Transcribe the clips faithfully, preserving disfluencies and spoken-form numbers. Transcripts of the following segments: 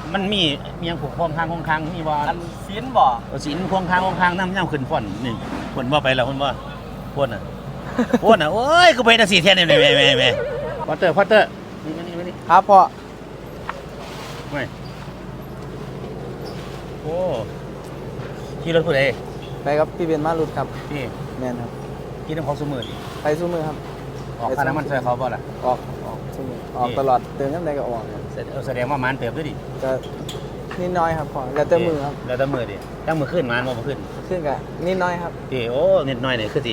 มันมีมียังผูกพวงค้างพวงค้างมีบ่อันศีลบ่ศีลพวงค้างพวงค้างน้ำย่ำขึ้นฟ่อนนี่คนบ่ไปแล้วคนบ่พ่นน่ะพ่นน่ะโอ้ยกูไปแต่สี่เทียนนี่แม่แม่แม่พอเตอร์พอเตอร์นี่มานี่มานี่ครับพ่อไม่โอ้ขี่รถผู้ใดไปครับพี่เบนมารุดครับนี่แม่นครับขี่น้ำเขาสมือไปสู้มือครับออกค่าน้ำมันใส่เขาบ่ล่ะออกออกสู้มือออกตลอดเติมน้ำใดก็ออกแสดงว่ามันเติบด้วยดิก็นิดน้อยครับพ่อแล้วแต่มือครับแล้วแต่มือดิตั้งมือขึ้นมันบ่ขึ้นขึ้นกับนิดน้อยครับดิโอ้นิดน้อยนี่คือสิ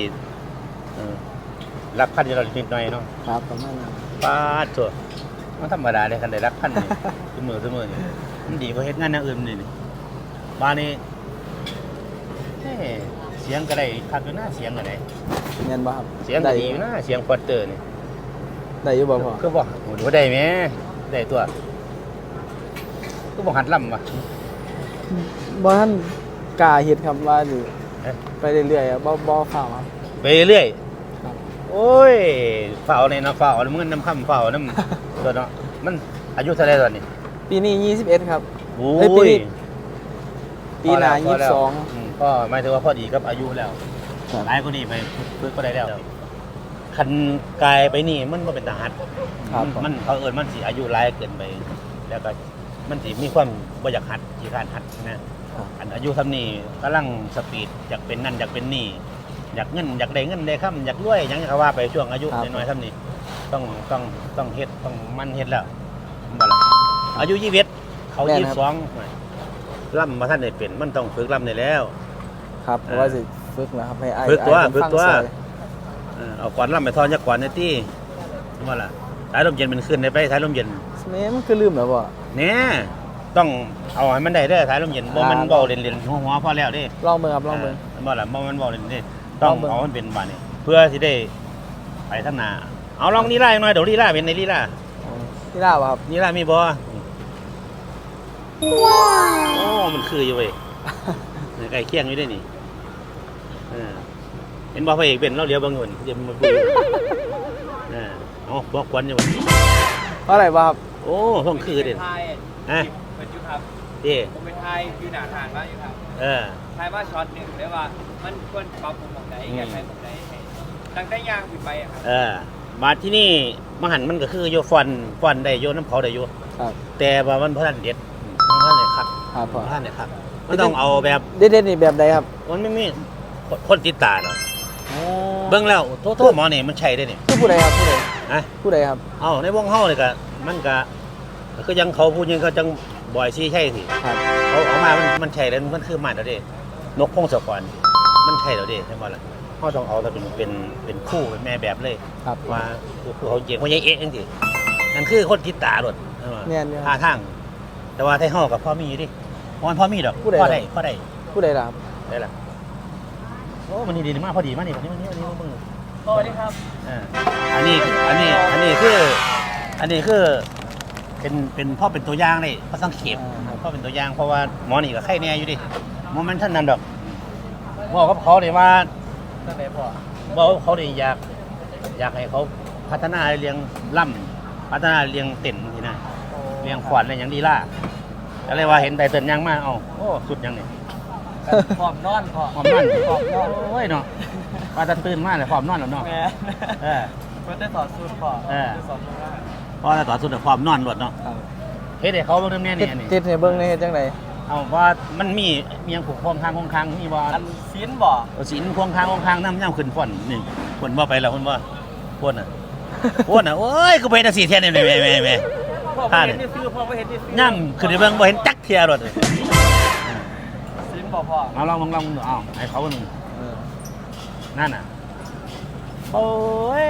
รักพันอยู่เรานิดน้อยเนาะครับประมาณนั้นป้าตัวมันธรรมดาเลยคันได้รักพันนี่สมือสมือนี่มันดีกว่าเฮ็ดงานอย่างอื่นนี่นี่บ้านนี้เฮ้เสียงก็ได้คักอยู่นะเสียงก็ได้เงินบ่ครับเสียงก็ดีอยู่นะเสียงควอเตอร์นี่ได้อยู่บ่พ่อคือบ่โหดูได้แม่ได้ตัวคือบ่หัดล่ำว่ะบ่ทันกล้าเฮ็ดครับว่าสิไปเรื่อยๆบ่บ่ฟ้าวครับไปเรื่อยโอ้ยฝ่าวนี่เนาะฝ่าวมึงน้ำค่ำฝ่าวน้ำตัวเนาะมันอายุเท่าไรตอนนี้ปีนี้ยี่สิบเอ็ดครับโอ้ยปีหน้ายี่สิบสองก็หมายถึงว่าพอดีกับอายุแล้วหลายคนนี่ไปฝึกก็ได้แล้วคันกายไปนี่มันบ่เป็นทหารมันเขาเอิ้นมันสิอายุหลายเกินไปแล้วก็มันสิมีความบ่อยากหัดขี้คร้านหัดนะอันอายุทำนี่กำลังสปีดอยากเป็นนั่นอยากเป็นนี่อยากเงินอยากได้เงินได้ค่ำอยากรวยอย่างนี้เขาว่าไปช่วงอายุน้อยๆทำนี่ต้องต้องต้องเฮ็ดต้องมันเฮ็ดแล้วบ่ล่ะอายุยี่สิบเอ็ดเขายี่สิบสองล่ำมาท่านได้เป็นมันต้องฝึกล่ำได้แล้วครับเพราะว่าสิฝึกนะครับให้ไอ้ฝึกตัวฝึกตัวเอาก่อนล่ำไปทอนยักก่อนในที่ว่าล่ะสายลมเย็นมันขึ้นได้ไปสายลมเย็นแม่มันคือลืมแล้วบ่เนี่ยต้องเอาให้มันได้เด้อสายลมเย็นบ่มันเบาเล่นๆหัวๆพอแล้วเด้ลองเบิ่งครับลองเบิ่งบ่ล่ะบ่มันเบาเล่นนี่ต้องเอามันเป็นบาดนี้เพื่อสิได้ไปทางหน้าเอาลองลีลาหน่อยเดี๋ยวลีลาเป็นในลีลาลีลาบ่ครับลีลามีบ่โอ้มันคืออยู่เว้ยใกล้เคียงอยู่ได้นี่เออเห็นบ่พระเอกเป็นเราเลี้ยวบ่เงินเดี๋ยวมันเออเอาพวกควันอยู่เพราะอะไรบ่ครับโอ้ต้องคือเด่นฮะเป็นยุทธครับเด้ผมเป็นไทยอยู่หนาทานว่าอยู่ครับเออไทยว่าช็อตหนึ่งเรียกว่ามันควรปรับปรุงตรงไหนแก้ไขตรงไหนตั้งแต่ย่างปิดไปครับเออมาที่นี่มหันมันก็คือโยฟอนฟอนได้โยน้ำเขาได้โยแต่ว่ามันพระท่านเด็ดมันพระท่านเนี่ยครับพระท่านเนี่ยครับมันต้องเอาแบบเด็ดๆนี่แบบใดครับมันไม่มีคนติดตาเนาะเบิ้งแล้วโทษหมอนี่มันใช่ได้เนี่ยผู้ใดครับผู้ใดฮะผู้ใดครับเอ้าในวงเฮาเลยก็มันก็ก็ยังเขาพูดยังเขาจังบ่อยซี่ใช่สิเขาเอามามันมันใช่แล้วมันคือมาแล้วเด้นกพงศกรมันใช่แล้วเด้ใช่ป่ะล่ะเขาต้องเอาแต่เป็นเป็นเป็นคู่เป็นแม่แบบเลยว่าคือเขาเจ๋งเขาใหญ่เอ๊ะจริงๆนั่นคือคนติดตาหลดท่าทางแต่ว่าไทยเฮากับพ่อมีดิมันพ่อมีดอกพ่อได้พ่อได้ผู้ใดล่ะครับได้ล่ะโอ้มันนี่ดีมากพอดีมากนี่วันนี้วันนี้วันนี้มึงสวัสดีครับอ่าอันนี้อันนี้อันนี้คืออันนี้คือเป็นเป็นพ่อเป็นตัวอย่างเลยพ่อสังเกตพ่อเป็นตัวอย่างเพราะว่าหมอนี่ก็ไข้แน่อยู่ดิโมเมนต์ท่านนั้นดอกบอกกับเขาเลยว่าตั้งแต่พ่อบอกเขาเลยอยากอยากให้เขาพัฒนาเลี้ยงล่ำพัฒนาเลี้ยงเต็นทีน่ะเลี้ยงขวัญอะไรอย่างดีล่ะอะไรว่าเห็นไตเติ้ลยังมากเอาโอ้สุดยังเนี่ยหอมนอนพอหอมนอนหอมนอนโอ้ยเนาะว่าจะตื่นมากเลยหอมนอนแล้วเนาะเออเพื่อได้ต่อสู้พอเออพอจะต่อสู้แต่ความนอนหลดเนาะเฮ็ดให้เขาเบิ่งแน่นี่ติดให้เบิ่งในเฮ็ดจังได๋เอาว่ามันมีมียังผูกพวงค้างพวงค้างมีบ่อันศีลบ่ศีลพวงค้างพวงค้างน้ำย่ำขึ้นฟ่อนนี่คนบ่ไปแล้วคนบ่พ่นน่ะพ่นน่ะโอ้ยกูไปแต่สี่เที่ยนี่แม่ๆๆพ่อบ่เห็นนี่ซื้อพ่อบ่เห็นนี่ซื้อย่ำขึ้นไปเบิ่งบ่เห็นจักเที่ยรถเลยศีลบ่พ่อเอาลองลองดูเอาให้เขาหนึ่งนั่นน่ะโอ้ย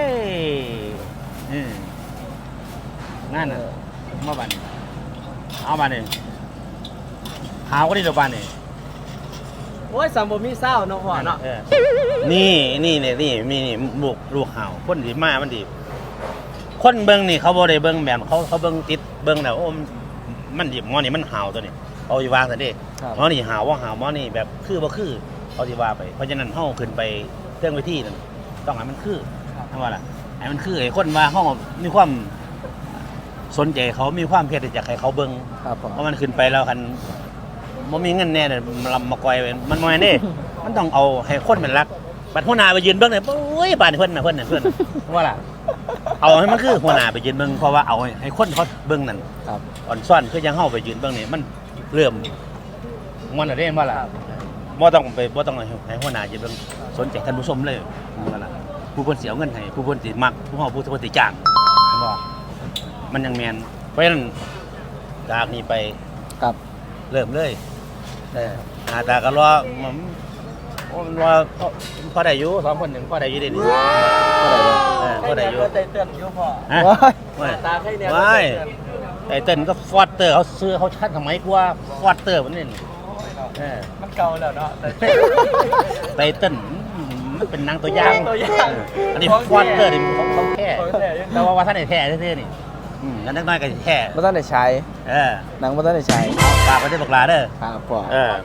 นั่นน่ะมาบ้านเอาบ้านนี่หาวก็ได้ดอกบ้านนี่โอ้ยสัมบ่มีเศร้าเนาะพ่อเนาะนี่นี่เนี่ยนี่มีนี่บุกลูกหาวคนดีมามันดีคนเบิ้งนี่เขาบ่ได้เบิ้งแบบเขาเขาเบิ้งติดเบิ้งแล้วโอ้มันดิหมอนี่มันหาวตัวนี้เอาสิว่าซะเด้หมอนี่หาวว่าหาวหมอนี่แบบคือบ่คือเอาสิว่าไปเพราะฉะนั้นเฮาขึ้นไปเรื่องวิธีนั่นต้องให้มันคือทำว่าล่ะให้มันคือไอ้คนว่าเฮามีความสนใจเขามีความเพียรที่จะให้เขาเบิ่งครับผมเพราะมันขึ้นไปแล้วคันบ่มีเงินแน่เนี่ยมันลำมากอยไปมันบ่แม่นเด้ มันต้องเอาให้คนเป็นรักบัดหัวหน้าไปยืนเบิ่งเนี่ยโอ้ยบ้านเพิ่นน่ะเพิ่นน่ะเพิ่นว่าล่ะเอาให้มันคือหัวหน้าไปยืนเบิ่งเพราะว่าเอาให้คนเขาเบิ่งนั่นครับอ่อนซ่อนคือยังเฮาไปยืนเบิ่งนี่มันเริ่มมันน่ะเด้ว่าล่ะบ่ต้องไปบ่ต้องให้หัวหน้ายืนเบิ่งสนใจท่านผู้ชมเลยว่าล่ะผู้เพิ่นสิเอาเงินให้ผู้เพิ่นสิมักผู้เฮาผู้เพิ่นสิจ้างเห็นบ่มันยังแม่นเพราะฉะนั้นจากนี้ไปครับเริ่มเลยเออหาตาก็รอมันมันว่าพอพอได้อยู่สองคนหนึ่งพอได้อยู่เดี๋ยวนี้เออพอได้อยู่ใจเตือนอยู่พ่อฮะว้ายไม่ตาใครเนี่ยไม่ไอ้เต้นก็ฟอสเตอร์เขาซื้อเขาชัดทำไมกว่าฟอสเตอร์มันนี่เออมันเก่าแล้วเนาะแต่ไตเติ้ลมันเป็นนางตัวอย่างตัวอย่างเอออันนี้ฟอสเตอร์นี่เขาเขาแท้ของแท้ยังแต่ว่าว่าท่านไหนแท้แท้ๆนี่อืมงั้นนักน้อยก็สิแท้บ่ทันได้ใช้เออหนังบ่ทันได้ใช้ฝากไว้ที่บอกลาเด้อครับพ่อเออ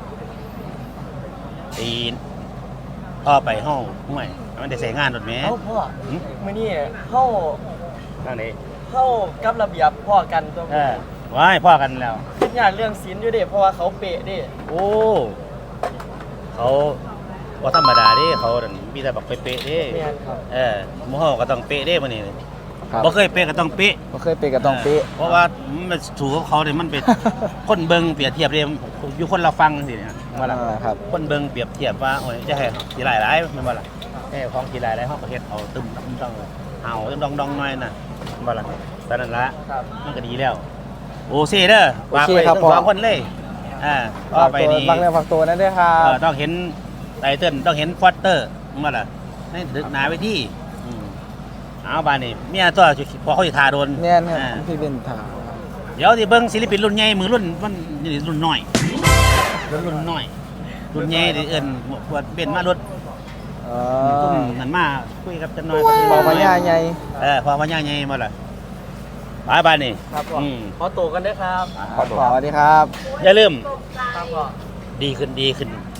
ตีนพ่อไปห้องห่วยมันได้ใส่งานรถแม่เอ้าพ่อหึมื้อนี้เข้าทางไหนเข้ากับระเบียบพ่อกันตัวเออว้ายพ่อกันแล้วคิดยากเรื่องศีลอยู่เด้เพราะว่าเขาเป๊ะเด้โอ้เขาบ่ธรรมดาเด้เขานั่นมีแต่บักเป๊ะๆเด้แม่นครับเออหมู่เฮาก็ต้องเป๊ะเด้มื้อนี้ครับบ่เคยเป๊ะก็ต้องเป๊ะบ่เคยเปะก็ต้องเป๊ะเพราะว่ามันถูกกับเขาเนี่ยมันเป็น คนเบิ่งเปรียบเทียบเด้อยู่คนละฟังจังซี่เนี่ยว่าล่ะอ่าครับคนเบิ่งเปรียบเทียบว่าโอ้ยจะให้สิหลายหลายแม่นบ่ล่ะเอ้ของสิหลายหลายเฮาก็เฮ็ดเอาตึมตึมต้องเฮาตึมดองดองหน่อยน่ะแม่นบ่ล่ะตอนนั้นละครับมันก็ดีแล้ว โอเซ่เด้อฝากโอเคไว้ครับทั้งพ่อสองคนเลยอ่าต่อฝากไปตัวนี้ฝากเนื้อฝากตัวนั่นด้วยครัเอบ อต้องเห็นไตเติ้ลต้องเห็นฟอสเตอร์แม่นบ่ล่ะให้ดึกหนาไว้ที่อืมเอาบานนี้เมียตัวพอเขาสิทาโดนแน่นครับอ่าพี่เป็นถามเดี๋ยวสิเบิ่งศิลปินรุ่นใหญ่มือรุ่นมันนี่รุ่นน้อยรุ่นรุ่นน้อย รุ่นใหญ่ที่เอิ้นปวดเป็นมารถอ๋อตุ้มนั่นมาคุยกับจันน้อยเบาพญาใหญ่เออพอพญาใหญ่มาล่ะบายบายนี่ครับพ่ออืมขอตัวกันเด้อครับขอสวัสดีครับอย่าลืมครับพ่อดีขึ้นดีขึ้น